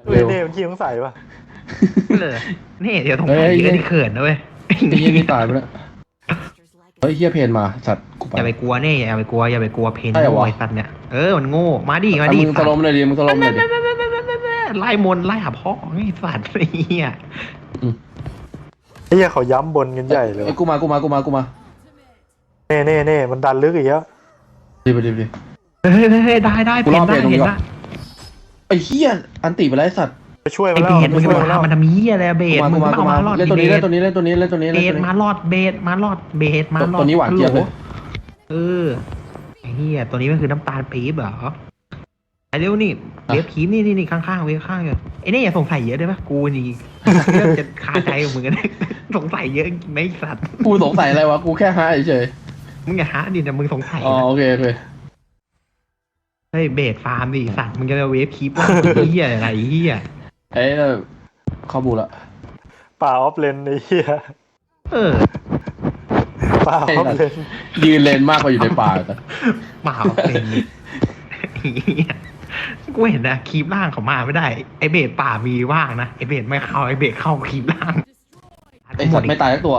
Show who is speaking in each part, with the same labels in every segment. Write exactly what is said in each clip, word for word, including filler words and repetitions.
Speaker 1: เฮ้ยเน่มันขี้สงสัยป่ะ
Speaker 2: เลยนี่เดี๋ยวสงสัยเยอะที่เขินนะเว้ย
Speaker 3: ไอ้เหี้ยนี่ตายไปแล้วเฮ้ยเฮียเพนมาสัตว์กูไป
Speaker 2: อย่าไปกลัวเน่อย่าไปกลัวอย่าไปกลัวเพน
Speaker 3: ใช่เหรอ
Speaker 2: โง่
Speaker 3: วะ
Speaker 2: ไอ้สัตว์เนี่ยเออมันโง่มาดิมา
Speaker 3: อ่ะ
Speaker 2: ดิ
Speaker 3: มึงสลมเลยดิมึงสลมเลยดิ
Speaker 2: ไล่มนต์ไล่หาพ่อไอ้สัตว์ไอ้เหี้ย
Speaker 1: ไอ้เหี้ยเขาย้ำบนกันใหญ่เลย
Speaker 3: ไอ้กูมากูมากูมากูมา
Speaker 1: เน่เน่เน่มันดันลึกอีกแล้ว
Speaker 3: ดีไปดีไปดี
Speaker 2: เฮ้ยเฮ้ยเฮ้ยได้ได้
Speaker 3: กู
Speaker 2: เพ
Speaker 3: รอน
Speaker 2: ได้
Speaker 3: เพนตรง
Speaker 2: เห็
Speaker 3: นี้
Speaker 2: น
Speaker 3: ก่อน
Speaker 2: นะ
Speaker 3: ไอ้เฮียอันติไปแล้วไอ้สัตว์
Speaker 1: ไปช่วยมั
Speaker 2: ไอ้
Speaker 1: นแล้ว
Speaker 2: เบสมึง
Speaker 1: ไป
Speaker 2: จะ
Speaker 1: ช่วย
Speaker 2: มา
Speaker 1: มันแล้ว
Speaker 2: ทำมันทำเหี้ยอะไรเบส
Speaker 3: กูมา
Speaker 2: มึ
Speaker 3: กู
Speaker 2: ง
Speaker 3: มากู
Speaker 2: เอา
Speaker 3: มา
Speaker 2: มาหลอด
Speaker 3: เล่นตัวนี้
Speaker 2: เบ
Speaker 3: เล่น
Speaker 2: ส
Speaker 3: ตัวนี้เล่นตัวนี้เล่นตัวนี้
Speaker 2: เบ
Speaker 3: เล่น
Speaker 2: ส
Speaker 3: ตัวนี้
Speaker 2: มาหลอดเบสมาหลอดเบสมาหลอด
Speaker 3: ตัวนี้หวานเจี๊ยบเลย
Speaker 2: เออไอ้เหี้ยตัวนี้มันคือน้ำตาลปี๊บเหรอไอ้เร็วนี่เวฟคีมนี่นี่นี่ข้างๆเวฟข้างอยู่ไอ้นี่อย่าสงสัยเยอะได้ปะกูนี่เริ่มจะคาใจกับมึงกันสงสัยเยอะไหมไอ้สัตว์
Speaker 3: กูสงสัยอะไรวะกูแค่หาเฉย
Speaker 2: มึงอย่าหาดิแต่มึงสงสัย
Speaker 3: อ๋อ
Speaker 2: นะ
Speaker 3: โอเคโอเค
Speaker 2: เฮ้ยเบสฟาร์มดิสัตว์มึงจะเวฟคีปว่าเหี้ยอะไรเหี้ย
Speaker 3: เอ้ยเข้าบูละ
Speaker 1: ป่าออฟเลนไอ้เหี้ย
Speaker 2: เออ
Speaker 1: ป่าออฟเลน
Speaker 3: ยืนเลนมากกว่าอยู่ในป่าแต่
Speaker 2: เปล่าเป็นเหี้ยกูเห็นนะคีปล่างเขามาไม่ได้ไอเบสป่ามีว่างนะไอเบสไม่เข้าไอเบสเข้าคีปล่าง
Speaker 3: ไอ้สัตว์ไม่ตายสักตัว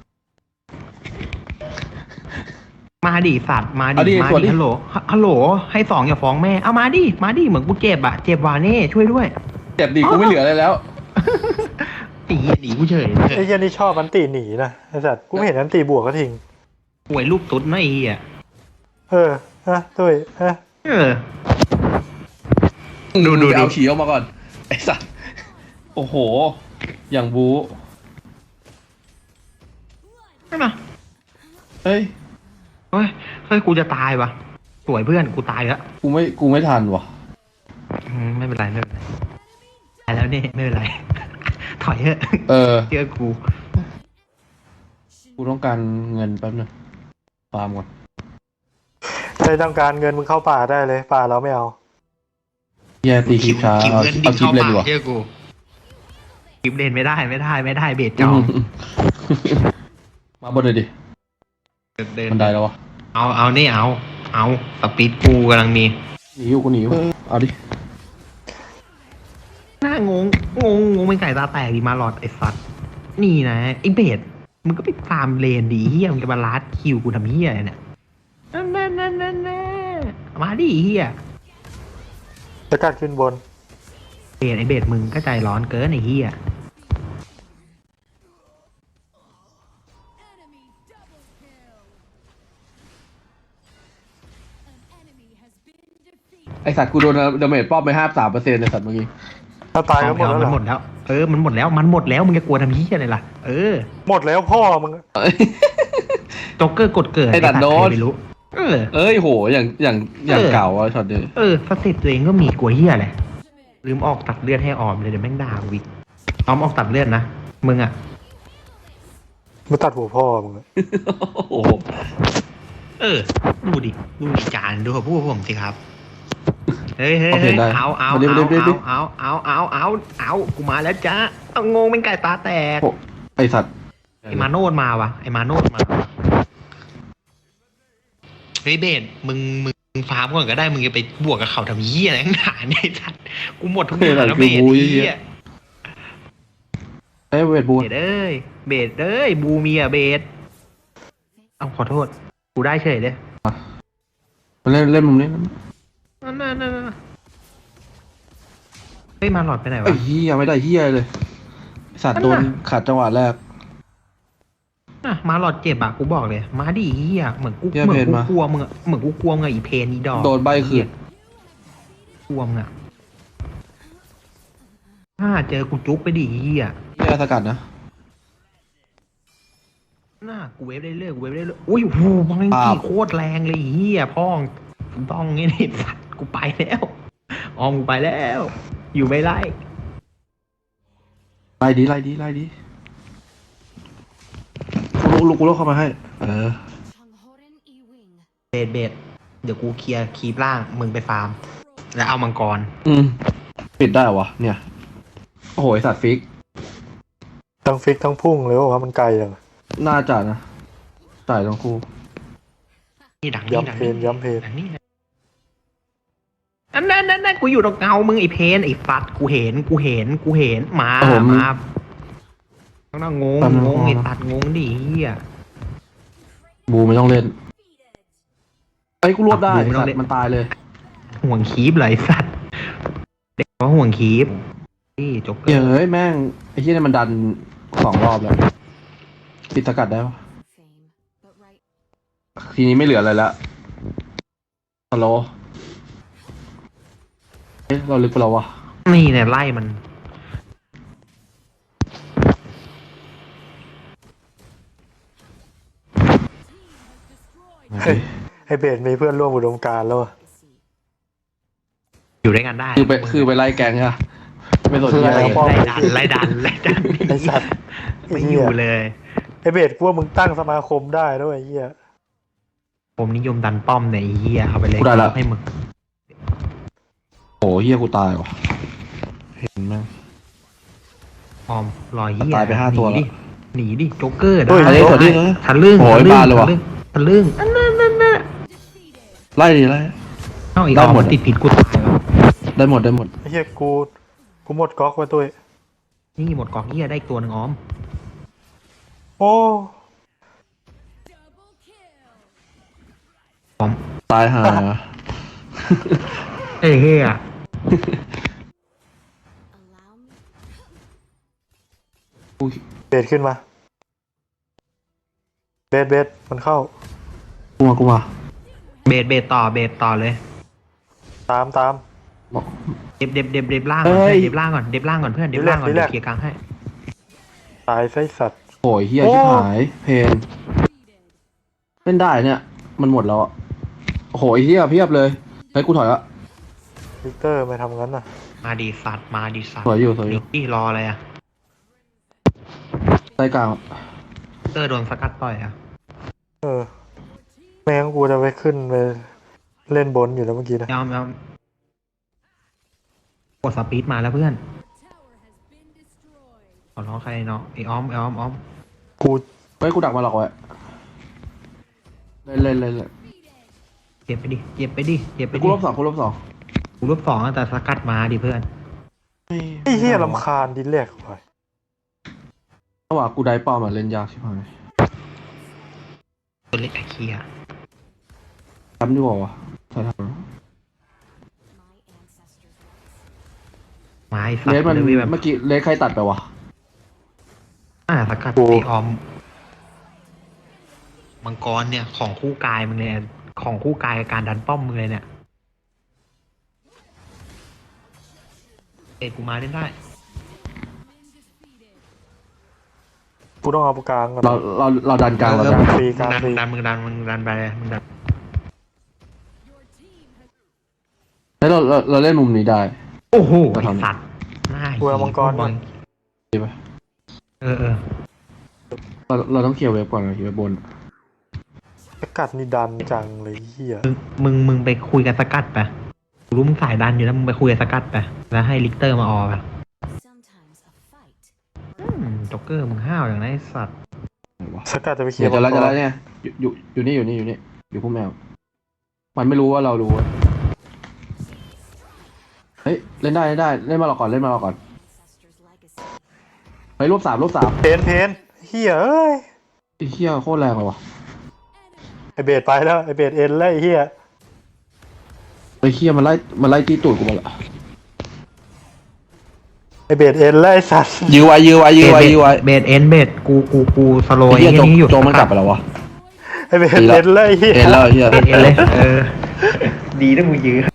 Speaker 2: มาดิสัตว์มา
Speaker 3: เอาดิ
Speaker 2: ดิมา
Speaker 3: สวนดิ
Speaker 2: ดิฮัลโหลฮัลโหลให้สองอย่าฟ้องแม่เอามาดิมาดิเหมือนกูเจ็บอะเจ็บวาเน่ช่วยด้วย
Speaker 3: เจ็บดีกูไม่เหลืออะไรแล้ว
Speaker 2: ไอ้เหี้ยหนีกูเฉยเลย
Speaker 1: ไอ้เหี้ยนี่ชอบอันตีหนีนะไอ้สัตว์กูไม่เห็นอันตีบวกก็ทิ้ง
Speaker 2: ป่วยลูกตุ๊ดนะไอ้เหี้ย
Speaker 1: เออฮะตุ้ยฮะ
Speaker 2: เออ ดูดู
Speaker 3: ไปเอา
Speaker 2: ดู
Speaker 3: ฉี่ออกมาก่อนไอ้สัตว์โอ้โห อย่างบู๊
Speaker 2: ใช่ไหม
Speaker 3: เฮ้ย
Speaker 2: เฮ้ยเฮ้ยกูจะตายวะสวยเพื่อนกูตายแล้ว
Speaker 3: กูไม่กูไม่ทันว่ะ
Speaker 2: อืมไม่เป็นไรไม่เป็นไรตายแล้วเนี่ยไม่เป็นไร ถอยเถอะ
Speaker 3: เออ
Speaker 2: เชื่อกู
Speaker 3: กูต้องการเงินแป๊บนึงฟาร์มก่อน
Speaker 1: ใครต้องการเงินมึงเข้าป่าได้เลยป่าเราไม่เอา
Speaker 3: เฮียตีคลิปช้า
Speaker 2: คิว
Speaker 3: เอา
Speaker 2: เงิน
Speaker 3: เอาคลิปเล่นดีกว่า
Speaker 2: เชื่อกูคลิปเล่นไม่ได้ไม่ได้ไม่ได้เบสจอง
Speaker 3: มาบนเลยดิ
Speaker 2: เดิน
Speaker 3: บันไดแล้ววะ
Speaker 2: เอาเอานี่เอา เอาสปีดกูกำลังมี
Speaker 3: หนีอยู่กูหนีอยู่เอาดิ
Speaker 2: หน้างงงงงงเป็นไก่ตาแตกดีมาหลอดไอ้สัตว์นี่นะไอ้เบสมึงก็ไปตามเลนดีเฮียมึงจะมาลัดคิวกูทำเฮียอะไรเนี่ยนั่นนั่นนั่นนั่นมาดิเฮีย
Speaker 1: จะกัดขึ้นบน
Speaker 2: เบสไอ้เบสมึงก็ใจร้อนเกินไอ้เฮีย
Speaker 3: ไอสัตว์กูโดนดาเมจป้อมไปห้าสามเปอร์เซ็นต์ในสัตว์เมื่อกี้
Speaker 1: ถ้าตายก็หมดแล้ว
Speaker 2: มัน
Speaker 1: เหร
Speaker 2: หม
Speaker 1: อ
Speaker 2: ดแล้วเออมันหมดแล้วมันหมดแล้วมึงจะกลัวทำเฮียอะไรล่ะเออ
Speaker 1: หมดแล้วพ่อมึง
Speaker 2: โจ๊กเกอร์กดเกิด
Speaker 3: ไอ้ตัดโดน
Speaker 2: ใครไม่รู้เออ
Speaker 3: เอ้ยโหอย่างอย่างอย่าง
Speaker 2: เออ
Speaker 3: เก่าอะช็อตเดียว
Speaker 2: เออสเต็ปตัวเองก็มีกลัวเฮียอะไรลืมออกตัดเลือดให้ออมเลยเดี๋ยวแม่งด่ากูอีกออมออกตัดเลือดนะมึงอ่ะ
Speaker 1: มึงตัดหัวพ่อมึงอะ
Speaker 3: โอ้โห
Speaker 2: เออ ดูดิ ดูดิจานดูกับพวกผมสิครับ เฮ้ยเฮ้ยเฮ้ยเอาเอาเอาเอาเอาเอาเอาเอาเอากูมาแล้วจ้าเอางงเป็นไก่ตาแตก
Speaker 3: ไอสัตว์
Speaker 2: ไอมาโนดมาวะไอมาโนดมาเฮ้ยเบสมึงมึงฟาร์มก่อนก็ได้มึงจะไปบวกกับเขาทำเหี้ยอะไรข้างหน้าเนี่ยไอ้สัตว์กูหมดทุกอย่างแล้วเบสเหี้ย
Speaker 3: ไอ้ยเวทบู
Speaker 2: เบสเอ้ยเบสเอ้ยบูมีอะเบสเอาขอโทษกูได้เฉยเลย
Speaker 3: มาเล่นเล่นมุมนี้
Speaker 2: นั่นนั่นนั่นเฮ้ยมาหลอดไปไหน
Speaker 3: ไอ้
Speaker 2: วะ
Speaker 3: เฮียไม่ได้เฮียเลยไอ้สัตว์โดนขาดจังหวะแรก
Speaker 2: อ่ะมาหลอดเจ็บอ่ะกูบอกเลยมาดิเฮียเหมือนกู
Speaker 3: เหี้ย
Speaker 2: เหมือน
Speaker 3: เพน
Speaker 2: กู
Speaker 3: มา
Speaker 2: กลัวมึงอะเหมือนกูกลัวมึงอะอีเพนอีดอก
Speaker 3: โดนใบคืน
Speaker 2: กลัวมึงอ่ะถ้าเจอกูจุ๊บไปดิเฮีย
Speaker 3: เฮียสกัดนะ
Speaker 2: น่ากูเวฟได้เรื่อยกูเวฟได้เรื่อยอุ้ยโหมัง
Speaker 3: ปา
Speaker 2: กี่
Speaker 3: บ
Speaker 2: โคตรแรงเลยเฮียพ่องต้องงี้นี่สัตว์กูไปแล้วออมกูไปแล้ว อยู่ไม่ไล่
Speaker 3: ไล่ดีไล่ดีไล่ดีกูลุกกูลุกเข้ามาให้ เออ
Speaker 2: เบดเบดเดี๋ยวกูเคลียร์คีบล่างมึงไปฟาร์ม แล้วเอามังกร
Speaker 3: อืมปิดได้เหรอวะเนี่ยโอ้โหไอ้สัตว์ฟิก
Speaker 1: ทั้งฟิกทั้งพุ่งเลยว่ามันไกลอย่าง
Speaker 3: น่าจะนะจ่ายทั้งคู่
Speaker 2: นี่ดังนี่ดัง
Speaker 1: ย้ำเพนย้ำเพน
Speaker 2: ดังนี่นะอันนั้นนั่นนั่นกูอยู่ตรงเงามึงไอ้เพนไอ้ฟัดกูเห็นกูเห็นกูเห็นมามาต้องนั่งงงงงไอ้ตัดงงดิเฮีย
Speaker 3: บูไม่ต้องเล่นไอ้ยกูรวบได้สัตว์มันตายเลย
Speaker 2: ห่วงคีบเลยสัตว์เด็กว่าห่วงคีบนี่จบ
Speaker 3: เฮ้ยเฮ้ยแม่งไอ้ที่นี่มันดันสองรอบแล้วปิดสกัดได้ปะทีนี้ไม่เหลืออะไรแล้วฮัลโหลเอ๊ะเราลึกไปแล้ววะ
Speaker 2: นี่เนี่ยไล่มัน
Speaker 1: เฮ้ยไอเบสมีเพื่อนร่วมอุดมการณ์แล้วอะ
Speaker 2: อยู่ด้วยกันได้
Speaker 3: คือไปคือไปไล่แกงอะไม่สนใจ
Speaker 2: ไล่
Speaker 3: อะไร
Speaker 2: ไล่ดันไล่ดันไล่ดัน
Speaker 1: ไอสัตว์
Speaker 2: ไม่อยู่เลย
Speaker 1: ไอเบสกูว่ามึงตั้งสมาคมได้ด้วยไอ้เหี้ย
Speaker 2: ผมนิยมดันป้อมเนี่ยไอ้เฮียเอาไปเลยให้มึง
Speaker 3: โอ้เฮียกูตายว่ะเห็นไหม
Speaker 2: ออมรอยเฮีย
Speaker 3: ตายไปห้าตัว
Speaker 2: หนี
Speaker 3: แล้
Speaker 2: ดิ
Speaker 3: ว
Speaker 2: หนีดิโจ๊กเกอร์
Speaker 3: เฮ้ย
Speaker 2: ได้
Speaker 3: ขอที่นะ
Speaker 2: ทะลึ่ง
Speaker 3: โอ้ย
Speaker 2: ทะลึ่ง
Speaker 3: บานเลยว่ะ
Speaker 2: ทะลึ่งอันนั้นนั่นน่ะ
Speaker 3: ไล่ดิไล่
Speaker 2: เอ้าอีก
Speaker 3: ได้
Speaker 2: ออม
Speaker 3: หมด
Speaker 2: ติดผิดกูตายแล้ว
Speaker 3: ได้หมดได้หมด
Speaker 1: ไอ้เหี้ยกูกูหมดก๊อกไปตัว
Speaker 2: นี่หมดกองเฮียได้อีกตัวหนึ่งออม
Speaker 1: โอ้
Speaker 2: ออม
Speaker 3: ตายห่า
Speaker 2: เอ้ยเฮีย
Speaker 1: เบสขึ้นมาเบสเบสมันเข้า
Speaker 3: กูมากูมา
Speaker 2: เบสเบสต่อเบสต่อเลย
Speaker 1: ตามตาม
Speaker 3: บอก
Speaker 2: เด็บเด็บเด็บเด็บล่างก่อน
Speaker 3: เฮ้ย
Speaker 2: เด็บล่างก่อนเด็บล่างก่อนเพื่อนเด็บล่างก่อน
Speaker 1: ดีแล
Speaker 2: เดี๋
Speaker 1: ก
Speaker 2: ยวเคลียร์กลางให้
Speaker 1: ตายไส้สัตว์
Speaker 3: โอ้ยเฮีย
Speaker 1: โอ้
Speaker 3: ชิบหายเพนเล่นได้เนี่ย มันหมดแล้วอ่ะโอ้โหไอ้เฮียเพียบเลยเฮ้ยกูถอยละ
Speaker 1: วิกเตอร์ไม่ทำงั้นน่ะ
Speaker 2: มาดีสัตว์มาดีสัตว์
Speaker 3: สวยอยู่สวยอยู่
Speaker 2: นี่รออะไรอ่ะ
Speaker 3: ใต้กลาง
Speaker 2: เตอร์โดนสกัดต่อยอ่ะ
Speaker 1: เออแม่งกูจะไปขึ้นไปเล่นบนอยู่แล้วเมื่อกี้นะ
Speaker 2: ยอมยอมกดสปีดมาแล้วเพื่อนขอร้องใครเนาะไอออมไอออมออม
Speaker 1: กู
Speaker 3: เฮ้ยกูดักมาหลอกไว้เล่นเล่นเล่นเล่น
Speaker 2: เก็บไปดิเก็บไปดิเก็บไป
Speaker 3: กู
Speaker 2: ดิ
Speaker 3: รอบสองกูรอบสอง
Speaker 2: กูรบสองแต่สกัดมาดิเพื่อน
Speaker 1: ไอ้เหี้ยลำคาญดินแรกไป
Speaker 3: ระหว่างกูได้ป้อมอ่ะเล่นยากชิบหาย
Speaker 2: ตัวเล็กไอเคีย
Speaker 3: ทำดีกว่าวะใช่ทำ
Speaker 2: ไม้สัต
Speaker 3: เลส
Speaker 2: ว์
Speaker 3: มัน
Speaker 2: เลยแบบ
Speaker 3: เมื่อกี้เลสใครตัดไปวะ
Speaker 2: อ่าสกัดไอออมมังกรเนี่ยของคู่กายมึงเลยของคู่กายกับการดันป้อมมึงเลยเนี่ยเอ็ดกูมาเล่นได้
Speaker 1: กูต้องเอาปากกลางก่อน
Speaker 3: เราเราเราดันกลางเราดัน
Speaker 1: ฟรีกลาง
Speaker 2: ดัน
Speaker 1: ฟรี
Speaker 2: ดันมึงดันมึงดันไปเลยมึงดัน
Speaker 3: แล้วเราเราเราเล่นมุมนี้ได้
Speaker 2: โอ้โห
Speaker 3: เรา
Speaker 2: ไอ
Speaker 3: ทำ
Speaker 2: สัตว์หน้า
Speaker 1: กูเอามังกรก่อน
Speaker 3: ดีปะ
Speaker 2: เออเออ
Speaker 3: เราเราต้องเคลียร์เว็บก่อนเคลียร์เว็บบน
Speaker 1: สกัดนี่ดันจังเลยเหี้ย
Speaker 2: มึงมึงมึงไปคุยกับสกัดไปกูรู้มึงสายดันอยู่แล้วมึงไปคุยกับสกัดไปแล้วให้ลิกเตอร์มาออไปอืมจ็อกเกอร์มึงห้าวอย่างไรไอ้สัตว์
Speaker 3: ไหนวะ
Speaker 1: สกัดจะไปเคลี
Speaker 3: เดี๋
Speaker 1: ย
Speaker 3: ยว
Speaker 1: ร์
Speaker 3: จะ
Speaker 1: มัง
Speaker 3: แล้ว
Speaker 1: ก
Speaker 3: จะ
Speaker 1: ร
Speaker 3: แล้วเนี่ยอยู่อยู่อยู่นี่อยู่นี่อยู่นี่อยู่พุ่มแมว มันไม่รู้ว่าเรารู้เว้ยเฮ้ยเล่นได้เล่นได้เล่นมาเราก่อนเล่นมาเราก่อนเฮ้ยรวบสามรวบสาม
Speaker 1: เพนเพนเหี้ยเอ้ย
Speaker 3: ไอ้เหี้ยโคตรแรงเลยว่ะ
Speaker 1: ไอเบสไปแล้วไอเบสเอ็นแล้วไอเหี้ย
Speaker 3: ไอ้เหี้ยมันไล่มันไล่ตีตูดกูมาละ
Speaker 1: ไอเบสเอ็นแล้วไอสัตว์
Speaker 3: ยื้อไว้ยื้อไว้ยื้อไว้ยื้อไว้
Speaker 2: เบดเอ็นเบดกูกูกูสโล
Speaker 3: ไอ้
Speaker 2: ย
Speaker 3: เหี้ย
Speaker 2: ไอ้
Speaker 3: โจ
Speaker 2: นี่อยู่
Speaker 3: โจมันกลับไปแล้ววะ
Speaker 1: ไอเบสเอ็นแล้วไอเหี้ย
Speaker 3: เอ็นแล้วไอ้เหี้ย
Speaker 2: เบดเอ็นเลยเออ ดีนะมึงยื้อ